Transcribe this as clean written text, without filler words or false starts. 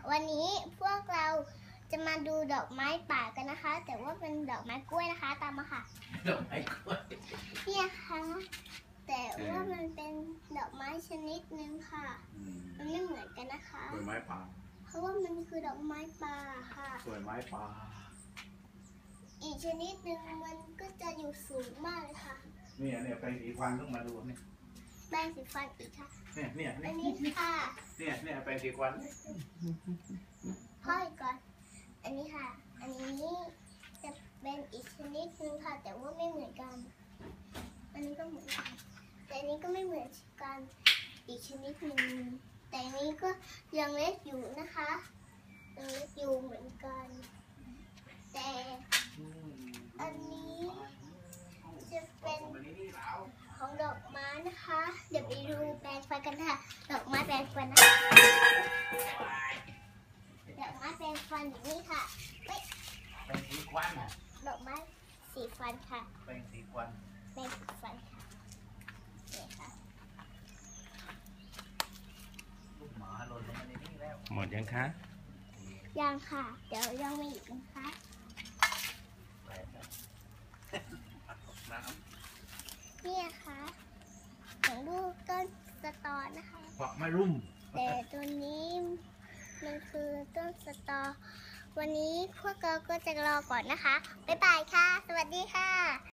วันนี้พวกเราจะมาดูดอกไม้ป่ากันนะคะ แต่ว่าเป็นดอกไม้กล้วยนะคะตามมาค่ะดอกไม้กล้วยเนี่ยค่ะแต่ว่ามันเป็นดอกไม้ชนิดนึงค่ะมันไม่เหมือนกันนะคะดอกไม้ป่าเพราะว่ามันคือดอกไม้ป่าค่ะดอกไม้ป่าอีกชนิดนึงมันก็จะอยู่สูงมากเลยค่ะเนี่ยไปสีฟันต้องมาดูเนี่ยแปรงสีฟันอีกค่ะเนี่ยอันนี้ค่ะเนี่ยไปสีฟันพ่อยก่อนอันนี้ค่ะอันนี้จะเป็นอีกชนิดนึงค่ะแต่ว่าไม่เหมือนกันอันนี้ก็เหมือนกันแต่อันนี้ก็ไม่เหมือนกันอีกชนิดนึงแต่อันนี้ก็ยังเล็กอยู่นะคะยังเล็กอยู่เหมือนกันแต่อันนี้จะเป็นของดอกไม้นะคะเดี๋ยวไปดูแปลงฟันกันค่ะดอกไม้แปลงฟันนะคะดอกไม้แปลงฟันอย่างนี้ค่ะเป็นสีควันดอกไม้สีฟันค่ะเป็นสีควันแปลงสีฟันค่ะนี่ค่ะลูกหมาหล่นลงมาในนี้แล้วหมดยังคะยังค่ะเดี๋ยวยังไม่หยุดนะคะนี่ค่ะของลูกต้นสตอนะคะฝักไม่รุ่มแต่ตัวนี้มันคือต้นสตอวันนี้พวกเราก็จะรอก่อนนะคะบ๊ายบายค่ะสวัสดีค่ะ